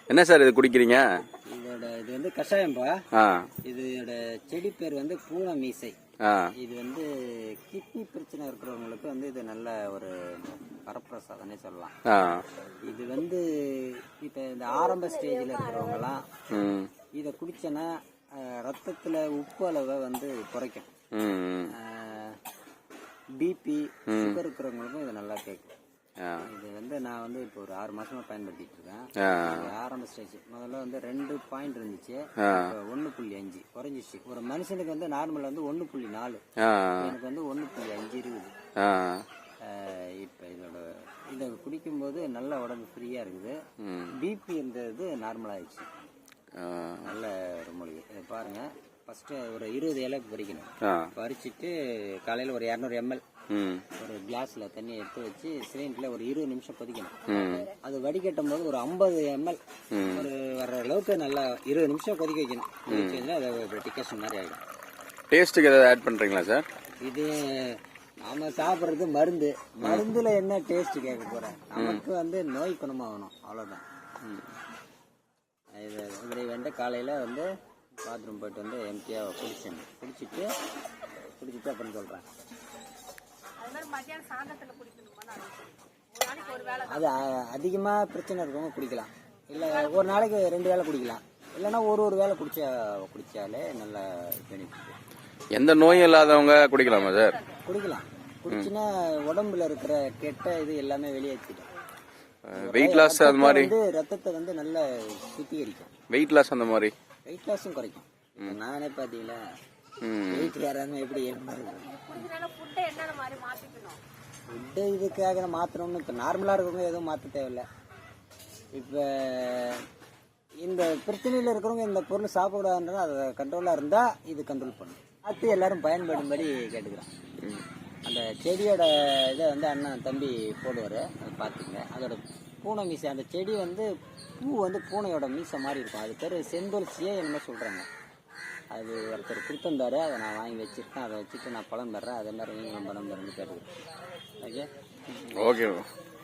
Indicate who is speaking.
Speaker 1: என்ன சார் இது குடிக்கிறீங்க?
Speaker 2: இது வந்து கஷாயம்பா. இதோட செடி பேர் வந்து பூனை மீசை. இது வந்து கிட்னி பிரச்சனை இருக்கிறவங்களுக்கு வந்து இது நல்ல ஒரு வரப்பிரசாதனே சொல்லலாம். இது வந்து இப்ப இந்த ஆரம்ப ஸ்டேஜ்ல இருக்கிறவங்கலாம் இதை குடிச்சனா ரத்தத்துல உப்பு அளவை வந்து குறைக்கும். பிபி சுகர் இருக்கிறவங்களுக்கும் இது நல்லா கேட்கும். இது வந்து நான் வந்து இப்போ ஒரு 6 மாசமா பயன்படுத்திட்டு இருக்கேன். ஆரம்ப ஸ்டேஜ் முதல்ல வந்து 2 பாயிண்ட் இருந்துச்சு, 1.5 குறைஞ்சிச்சு. ஒரு மனுஷனுக்கு வந்து நார்மல் வந்து 1.4, எனக்கு வந்து 1.5 இருக்குது. இப்ப இதை குடிக்கும்போது நல்ல உடம்பு ஃப்ரீயா இருக்குது. பிபி இருந்தது நார்மல் ஆயிடுச்சு. நல்ல ஒரு மூலிகை. இதை பாருங்க, ஃபர்ஸ்ட் ஒரு 20 இலை பறிக்கணும். பறிச்சுட்டு காலையில ஒரு 200 ml ஒரு கிளாஸ்ல தண்ணி எடுத்து வச்சு சிலிண்டர்ல ஒரு 20 நிமிஷம் கொதிக்கணும். அது வடிகட்டும் போது ஒரு 50 ml ஒரு வர அளவுக்கு நல்லா 20 நிமிஷம் கொதிக்க வைக்கணும். அது டிகேஷன் மாதிரி ஆகிடும்.
Speaker 1: டேஸ்ட்டுக்கு ஏதாவது ஆட் பண்றீங்களா சார்? இது
Speaker 2: நாம சாப்பிட்றது மருந்து. மருந்துல என்ன டேஸ்ட் கேட்க போறேன்? நமக்கு வந்து நோய் குணமாகணும், அவ்வளவுதான். இது இப்படி வந்து காலையில வந்து பாத்ரூம் போயிட்டு வந்து எம்டியா குடிச்சிட்டு அப்புறம் சொல்றேன். அது அதிகமா பிரச்சனை இருக்கவங்க குடிக்கலாம், இல்ல ஒரு நாளைக்கு 2 வேளை குடிக்கலாம், இல்லைன்னா ஒரு வேளை குடிச்சாலே நல்ல பெனிஃபிட்.
Speaker 1: எந்த நோயும் இல்லாதவங்க குடிக்கலாமா சார்?
Speaker 2: குடிக்கலாம். குடிச்சுன்னா உடம்புல இருக்கிற கெட்ட இது எல்லாமே வெளியேற்றிடும்.
Speaker 1: வெயிட் லாஸ் அது மாதிரி
Speaker 2: ரத்தத்தை வந்து நல்லா சுத்திகரிக்கும்.
Speaker 1: வெயிட் லாஸ் அந்த மாதிரி
Speaker 2: வெயிட் லாஸும் குறைக்கும். நானே பாத்தீங்களா வெயிட் ஏறாம எப்படி ஃபுட்டு இதுக்காக மாற்றணும்னு இப்போ நார்மலாக இருக்கவங்க எதுவும் மாற்ற தேவையில்லை. இப்போ இந்த பிரச்சனையில் இருக்கிறவங்க இந்த பொருள் சாப்பிடாதுன்றா அது கண்ட்ரோலாக இருந்தால் இது கண்ட்ரோல் பண்ணும். பார்த்து எல்லாரும் பயன்படும்படி கேட்டுக்கிறேன். அந்த செடியோட இதை வந்து அண்ணன் தம்பி போடுவார், அதை பார்த்துங்க. அதோட பூனை மீசை, அந்த செடி வந்து பூ வந்து பூனையோட மீசை மாதிரி இருக்கும். அது பேர் செந்தொல்சியே என்னமோ சொல்கிறாங்க. அது ஒருத்தர் கொடுத்துருந்தாரு, அதை நான் வாங்கி வச்சுருக்கேன். அதை வச்சுட்டு நான் பழம் தர்றேன். அதே மாதிரி நீங்களும் பழம் தரேன்னு கேட்டுக்கிறேன். Okay
Speaker 1: okay.